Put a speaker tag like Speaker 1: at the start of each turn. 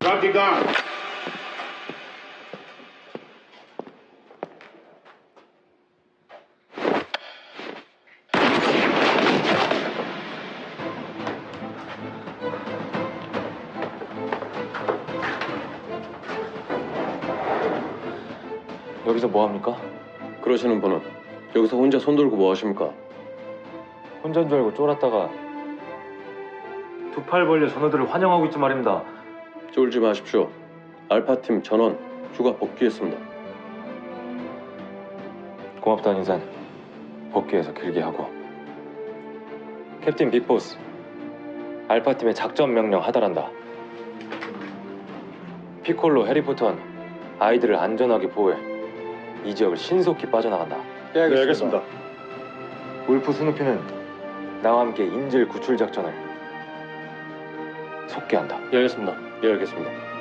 Speaker 1: 바티칸.
Speaker 2: 여기서 뭐 합니까?
Speaker 3: 그러시는 분은 여기서 혼자 손 들고 뭐 하십니까?
Speaker 2: 혼자인 줄 알고 쫄았다가 두 팔 벌려 전우들을 환영하고 있지 말입니다.
Speaker 3: 쫄지 마십시오. 알파팀 전원 휴가 복귀했습니다.
Speaker 2: 고맙다는 인사는 복귀해서 길게 하고. 캡틴 빅보스, 알파팀의 작전 명령 하달한다. 피콜로, 해리포터는 아이들을 안전하게 보호해 이 지역을 신속히 빠져나간다.
Speaker 1: 네, 알겠습니다.
Speaker 2: 울프 스누피는 나와 함께 인질 구출 작전을 속개한다.
Speaker 3: 예, 알겠습니다. 예, 알겠습니다.